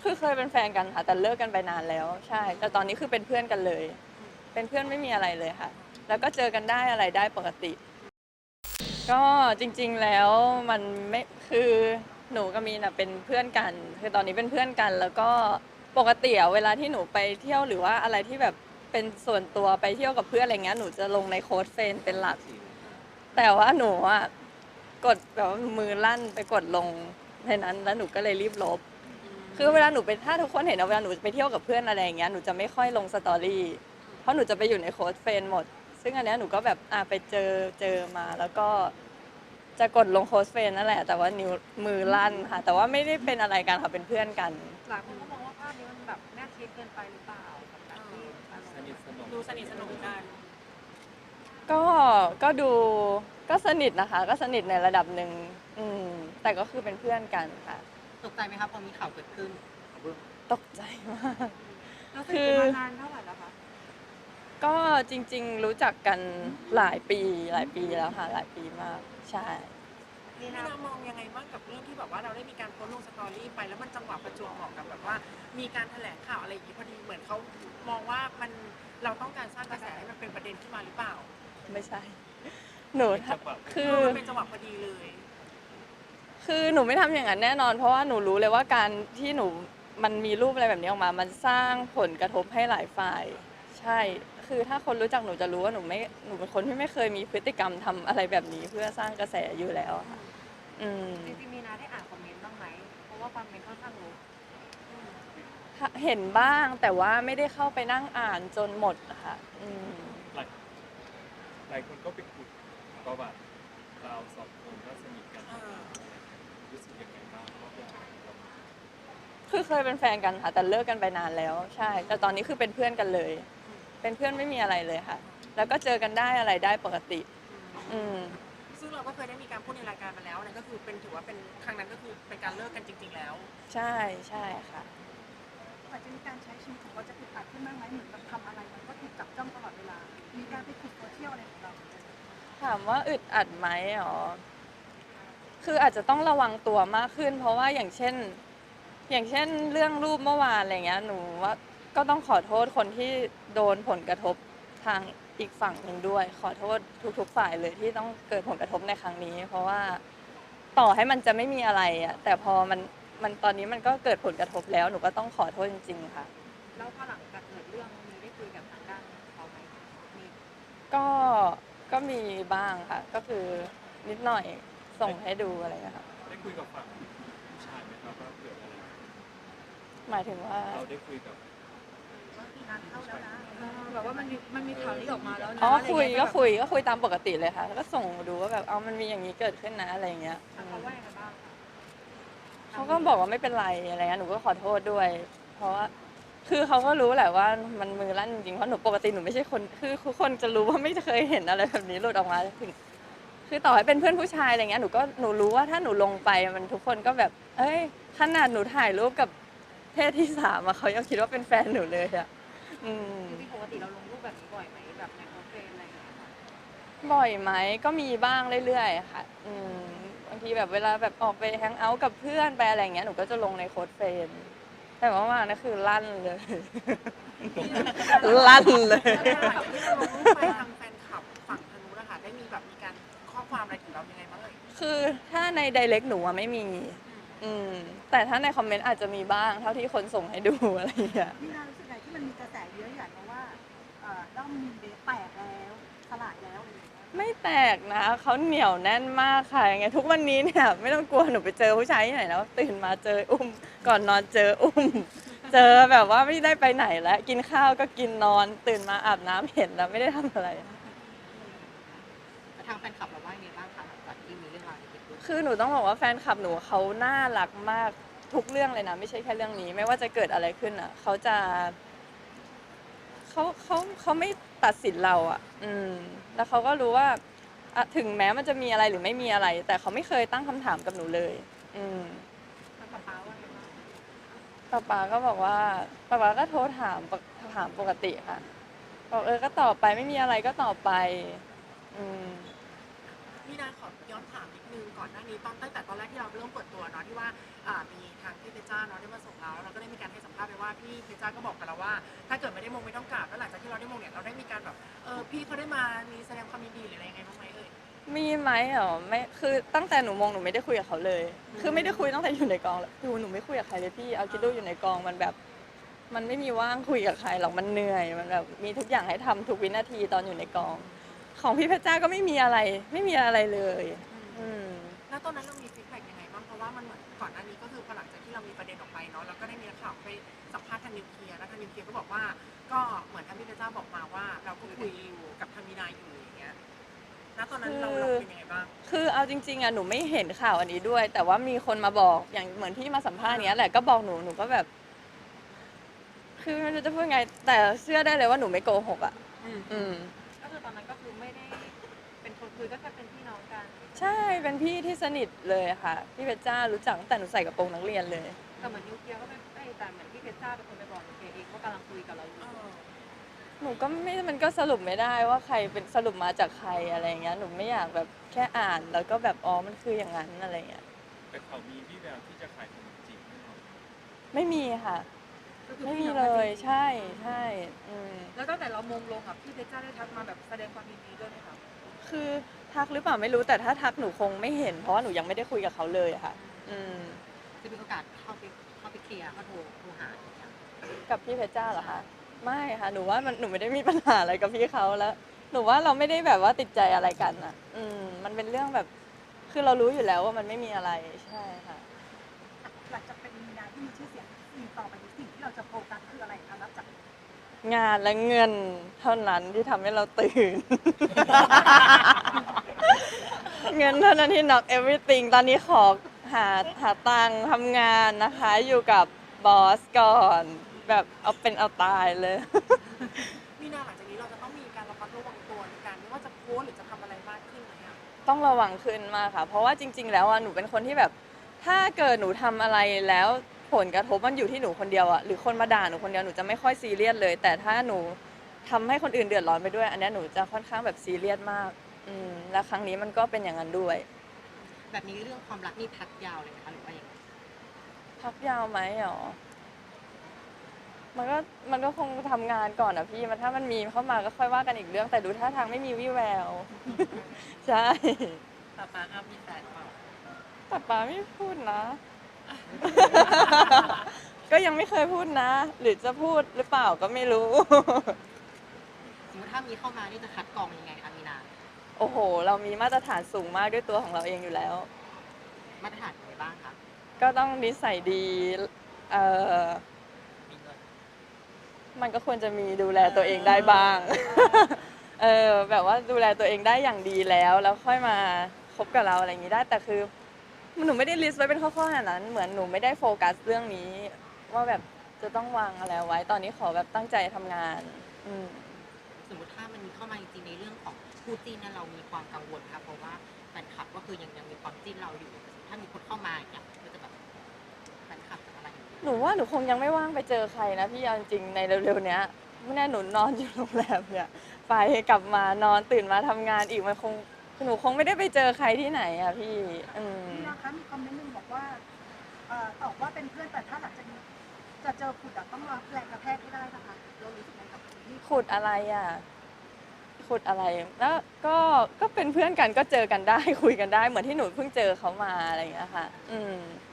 คือเคยเป็นแฟนกันค่ะแต่เลิกกันไปนานแล้วใช่แต่ตอนนี้คือเป็นเพื่อนกันเลยเป็นเพื่อนไม่มีอะไรเลยค่ะแล้วก็เจอกันได้อะไรได้ปกติก็จริงๆแล้วมันไม่คือหนูกับมีนอะเป็นเพื่อนกันคือตอนนี้เป็นเพื่อนกันแล้วก็ปกติอะเวลาที่หนูไปเที่ยวหรือว่าอะไรที่แบบเป็นส่วนตัวไปเที่ยวกับเพื่อนอะไรเงี้ยหนูจะลงในโค้ดเฟรนด์เป็นหลักแต่ว่าหนูอะกดแบบว่ามือลั่นไปกดลงในนั้นแล้วหนูก็เลยรีบลบ คือเวลาหนูไปถ้าทุกคนเห็นนะเวลาหนูไปเที่ยวกับเพื่อนอะไรอย่างเงี้ยหนูจะไม่ค่อยลงสตอรี่เพราะหนูจะไปอยู่ในโค้ดเฟรนด์หมดซึ่งอันเนี้ยหนูก็แบบไปเจอมาแล้วก็จะกดลงโค้ดเฟรนด์นั่นแหละแต่ว่านิ้วมือลั่นค่ะแต่ว่าไม่ได้เป็นอะไรกันค่ะเป็นเพื่อนกันหลายคนก็มองว่าภาพนี้มันแบบแนบชิดเกินไปหรือเปล่ากับการที่อารมณ์ดูสนิทสนมกันก็ก็ดูก็สนิทนะคะก็สนิทในระดับหนึ่งอืมแต่ก็คือเป็นเพื่อนกันค่ะตกใจไหมครับพอมีข่าวเกิดขึ้นตกใจมากเราสนิทกันมานานเท่าไหร่แล้วคะก็จริงๆรู้จักกันหลายปีแล้วค่ะหลายปีมากใช่นี่นะมองยังไงบ้างกับเรื่องที่แบบว่าเราได้มีการโพสต์ลงสตอรี่ไปแล้วมันจังหวะประจวบเหมาะกับแบบว่ามีการแถลงข่าวอะไรอย่างนี้พอดีเหมือนเขามองว่ามันเราต้องการสร้างกระแสให้มันเป็นประเด็นขึ้นมาหรือเปล่าไม่ใช่หนูคือมันเป็นจังหวะพอดีเลยคือหนูไม่ทำอย่างนั้นแน่นอนเพราะว่าหนูรู้เลยว่าการที่หนูมันมีรูปอะไรแบบนี้ออกมามันสร้างผลกระทบให้หลายฝ่ายใช่คือถ้าคนรู้จักหนูจะรู้ว่าหนูเป็นคนที่ไม่เคยมีพฤติกรรมทำอะไรแบบนี้เพื่อสร้างกระแสอยู่แล้วค่ะอืมจริงๆมีนาได้อ่านคอมเมนต์บ้างไหมเพราะว่าคอมเมนต์ค่อนข้างรู้เห็นบ้างแต่ว่าไม่ได้เข้าไปนั่งอ่านจนหมดอะค่ะอืมหลายหลายคนก็ไปขุดประวัติเราสองคนก็สนิทกันรู้สึกยังไงบ้างว่าเป็นเราคือเคยเป็นแฟนกันค่ะแต่เลิกกันไปนานแล้วใช่แต่ตอนนี้คือเป็นเพื่อนกันเลยเป็นเพื่อนไม่มีอะไรเลยค่ะแล้วก็เจอกันได้อะไรได้ปกติอืมซึ่งเราก็เคยได้มีการพูดในรายการมาแล้วนั่นก็คือเป็นถือว่าเป็นครั้งนั้นก็คือเป็นการเลิกกันจริงๆแล้วใช่ใช่ค่ะอาจจะมีการใช้ชีวิตของเราจะอึดอัดขึ้นบ้างไหมเหมือนกับทำอะไรมันก็ถูกจับจ้องตลอดเวลา มีการไปขุดโซเชียลอะไรของเราถามว่าอึดอัดไหมอ๋อคืออาจจะต้องระวังตัวมากขึ้นเพราะว่าอย่างเช่นเรื่องรูปเมื่อวานอะไรเงี้ยหนูว่าก็ต้องขอโทษคนที่โดนผลกระทบทางอีกฝั่งหนึ่งด้วยขอโทษทุกๆฝ่ายเลยที่ต้องเกิดผลกระทบในครั้งนี้เพราะว่าต่อให้มันจะไม่มีอะไรอะแต่พอมันตอนนี้มันก็เกิดผลกระทบแล้วหนูก็ต้องขอโทษจริงๆค่ะแล้วพอหลังจากเกิดเรื่องมีได้คุยกับทางด้านเขาไหมมีก็ก็มีบ้างค่ะก็คือนิดหน่อยส่งให้ดูอะไรเงี้ยค่ะได้คุยกับฝั่งผู้ชายไหมครับว่าเกิดอะไรหมายถึงว่าเราได้คุยกับมีงานเข้าแล้วนะแบบว่ามันมีข่าวนี้ออกมาแล้วนะอ๋ออะไรเงี้ยแบบคุยตามปกติเลยค่ะแล้วก็ส่งดูว่าแบบมันมีอย่างนี้เกิดขึ้นนะอะไรเงี้ยเขาว่ายังไงบ้างคะเขาก็บอกว่าไม่เป็นไรอะไรเงี้ยหนูก็ขอโทษด้วยเพราะว่าคือเขาก็รู้แหละว่ามันมือลั่นจริงๆเพราะหนูปกติหนูไม่ใช่คนคือทุกคนจะรู้ว่าไม่เคยเห็นอะไรแบบนี้หลุดออกมาถึงคือต่อให้เป็นเพื่อนผู้ชายอะไรเงี้ยหนูรู้ว่าถ้าหนูลงไปมันทุกคนก็แบบเอ้ยขนาดหนูถ่ายรูปกับเพศที่สามอะเขายังคิดว่าเป็นแฟนหนูเลยอะอืมจริงๆปกติเราลงรูปแบบนี้บ่อยไหมแบบในโพสต์เฟรมอะไรอย่างเงี้ยค่ะบ่อยไหมก็มีบ้างเรื่อยๆค่ะบางทีแบบเวลาแบบออกไปแฮงเอาท์กับเพื่อนไปอะไรอย่างเงี้ยหนูก็จะลงในโค้ดเฟรนด์แต่ว่ามานะคือลั่นเลย ลั่นเลยแล้วหลังจากที่เราลงรูปไปทางแฟนคลับฝั่งทางนู้นนะคะได้มีแบบมีการข้อความอะไรถึงเรายังไงบ้างเอ่ยคือถ้าในไดเรกหนูอะไม่มีแต่ถ้าในคอมเมนต์อาจจะมีบ้างเท่าที่คนส่งให้ดูอะไรอย่างเงี้ยมีนารู้สึกไงที่มันมีกระแสเยอะอย่างเพราะว่าด้อมมีเบสแตกแล้วสลายแล้วอะไรอย่างเงี้ยไม่แตกนะเขาเหนียวแน่นมากค่ะยังไงทุกวันนี้เนี่ยไม่ต้องกลัวหนูไปเจอผู้ชายที่ไหนแล้วตื่นมาเจออุ้มก่อนนอนเจออุ้มเจอแบบว่าไม่ได้ไปไหนแล้วกินข้าวก็กินนอนตื่นมาอาบน้ำเห็นแล้วไม่ได้ทำอะไรทางแฟนคลับเราว่ายังไงบ้างคะหลังจากที่มีเรื่องราวนี้เกิดขึ้นคือหนูต้องบอกว่าแฟนคลับหนูเขาน่ารักมากทุกเรื่องเลยนะไม่ใช่แค่เรื่องนี้ไม่ว่าจะเกิดอะไรขึ้นอ่ะเขาไม่ตัดสินเราอ่ะแล้วเขาก็รู้ว่าถึงแม้มันจะมีอะไรหรือไม่มีอะไรแต่เขาไม่เคยตั้งคำถามกับหนูเลยแล้วป๊าว่าไงบ้างป๊าก็บอกว่าป๊าก็โทรถามปกติค่ะบอกก็ตอบไปไม่มีอะไรก็ตอบไปอืมพี่นาขอย้อนถามนิดนึงก่อนหน้านี้ตั้งแต่ตอนแรกที่เราเริ่มเปิดตัวเนาะที่ว่ามีทางพี่เพชรจ้าเนาะได้มาส่งเราแล้วเราก็ได้มีพี่เพชรจ้าก็บอกกับเราว่า ถ้าเกิดไม่ได้มงไม่ต้องกราบแล้วหลังจากที่เราได้มงเนี่ยเราได้มีการแบบพี่เขาได้มามีแสดงความยินดีหรืออะไรยังไงบ้างไหมเอ่ยมีไหมเหรอไม่คือตั้งแต่หนูมงหนูไม่ได้คุยกับเขาเลย คือไม่ได้คุยตั้งแต่อยู่ในกองแล้วหนูไม่คุยกับใครเลยพี่เอาคิดดูอยู่ในกองมันแบบ มันไม่มีว่างคุยกับใครหรอกมันเหนื่อยมันแบบมีทุกอย่างให้ทำทุกวินาทีตอนอยู่ในกอง ของพี่เพชรจ้าก็ไม่มีอะไรเลย อืมแล้วตอนนั้นเรามีฟีดแบ็กยังไงบ้างเพราะว่ามันเหมือนก่อนหน้านี้ก็คือพอหลังจากที่เรามีประเด็นออกไปเนาะแล้วก็ได้มีนักข่าวไปสัมภาษณ์ทางนิวเคลียร์แล้วทางนิวเคลียร์ก็บอกว่าก็เหมือนทางพี่เพชรจ้าบอกมาว่าเราก็คุยอยู่กับทางมีนาอยู่อย่างเงี้ยแล้วตอนนั้นเราเป็นยังไงบ้างคือเอาจริงๆอะหนูไม่เห็นข่าวอันนี้ด้วย แต่ว่ามีคนมาบอกอย่างเหมือนที่มาสัมภาษณ์เนี้ยแหละก็บอกหนูก็แบบ คือไม่รู้จะพูดไง แต่เชื่อได้เลยว่าหนูไม่โกหกอะอืมก็คือตอนนั้นก็คือไม่ได้เป็นคนคุยก็แค่เป็นพี่น้องกันใช่เป็นพี่ที่สนิทเลยค่ะพี่เพชรจ้ารู้จักตั้งแต่หนูใส่กระโปรงนักเรียนเลยแต่เหมือนนิวเคลียร์ก็ไม่ได้แต่เหมือนพี่เพชรจ้าเป็นคนไปบอกนิวเคลียร์เองว่ากำลังคุยกับเราอยู่หนูก็ไม่มันก็สรุปไม่ได้ว่าใครเป็นสรุปมาจากใครอะไรเงี้ยหนูไม่อยากแบบแค่อ่านแล้วก็แบบอ๋อมันคืออย่างนั้นอะไรเงี้ยแต่เขามีวี่แววที่จะขายขนมจีบแน่นอนไม่มีค่ะก็คือไม่พี่มีน้องเลกันยจริงๆใช่แล้วตั้งแต่เรามงลงอ่ะพี่เพชรจ้าได้ทักมาแบบแสดงความยินดีด้วยไหมคะคือทักหรือเปล่าไม่รู้แต่ถ้าทักหนูคงไม่เห็นเพราะว่าหนูยังไม่ได้คุยกับเขาเลยค่ะจะมีโอกาสเข้าไปเคลียร์เขาโทรหาอย่างเงี้ยกับพี่เพชรจ้าเหรอคะไม่ค่ะหนูว่าหนูไม่ได้มีปัญหาอะไรกับพี่เขาแล้ว หนูว่าเราไม่ได้แบบว่าติดใจอะไรกันอ่ะ มันเป็นเรื่องแบบ คือเรารู้อยู่แล้วว่ามันไม่มีอะไรใช่ค่ะหลังจากเป็นมีนาที่มีชื่อเสียงสิ่งต่อไปนี้สิ่งที่เราจะโฟกัสคืออะไรคะนับจากงานและเงินเท่านั้นที่ทำให้เราตื่น เงินเท่านั้นที่ knock everything ตอนนี้ขอหาตังค์ทำงานนะคะ อยู่กับบอสก่อน แบบเอาเป็นเอาตายเลยมีนาหลังจากนี้เราจะต้องมีการระมัดระวังตัวในการไม่ว่าจะโพสต์หรือจะทำอะไรมากขึ้นไหมอะต้องระวังขึ้นมากค่ะ เพราะว่าจริง ๆ แล้วอ่ะหนูเป็นคนที่แบบ ถ้าเกิดหนูทำอะไรแล้วผลกระทบมันอยู่ที่หนูคนเดียวอ่ะหรือคนมาด่าหนูคนเดียวหนูจะไม่ค่อยซีเรียสเลย แต่ถ้าหนูทำให้คนอื่นเดือดร้อนไปด้วย อันเนี้ยหนูจะค่อนข้างแบบซีเรียสมากและครั้งนี้มันก็เป็นอย่างนั้นด้วยแบบนี้เรื่องความรักนี่พักยาวเลยไหมคะหรือว่ายังไงพักยาวไหมหรอมันก็คงทำงานก่อนอ่ะพี่ถ้ามันมีเข้ามาก็ค่อยว่ากันอีกเรื่อง แต่ดูท่าทางไม่มีวี่แวว ใช่ป้าป้าอ้ามีแฟนเปล่าแต่ป้าไม่พูดนะ ก็ยังไม่เคยพูดนะ หรือจะพูดหรือเปล่าก็ไม่รู้สมมติถ้ามีเข้ามานี่จะคัดกรองยังไงคะมีนาโอ้โห เรามีมาตรฐานสูงมากด้วยตัวของเราเองอยู่แล้วมาตรฐานอะไรบ้างคะก็ต้องนิสัยดีมีเงินมันก็ควรจะมีดูแลตัวเองได้บ้าง แบบว่าดูแลตัวเองได้อย่างดีแล้วค่อยมาคบกับเราอะไรอย่างนี้ได้ แต่คือหนูไม่ได้ลิสต์ไว้เป็นข้อๆขนาดนั้น เหมือนหนูไม่ได้โฟกัสเรื่องนี้ ว่าแบบจะต้องวางอะไรไว้ ตอนนี้ขอแบบตั้งใจทำงานสมมติถ้ามันมีเข้ามาจริงๆในเรื่องของคู่จิ้นเนี่ยเรามีความกังวลค่ะเพราะว่าแฟนคลับก็คือยังมีความจิ้นเราอยู่ถ้ามีคนเข้ามาอย่างเงี้ยก็จะแบบแฟนคลับจะอะไรอย่างเงี้ยหนูว่าหนูคงยังไม่ว่างไปเจอใครนะพี่เอาจริงๆในเร็วๆเนี้ยไม่แน่หนูนอนอยู่โรงแรมเนี่ยไปกลับมานอนตื่นมาทำงานอีกมันคงหนูคงไม่ได้ไปเจอใครที่ไหนอะพี่มีนะคะมีคอมเมนต์หนึงบอกว่าตอบว่าเป็นเพื่อนแต่ถ้าหลังจากนี้จะเจอขุดต้องรับแรงกระแทกให้ได้นะคะเรารู้สึกไงกับที่ขุดอะไรอะขุดอะไรแล้วก็เป็นเพื่อนกันก็เจอกันได้ คุยกันได้เหมือนที่หนูเพิ่งเจอเขามาอะไรอย่างเงี้ยค่ะ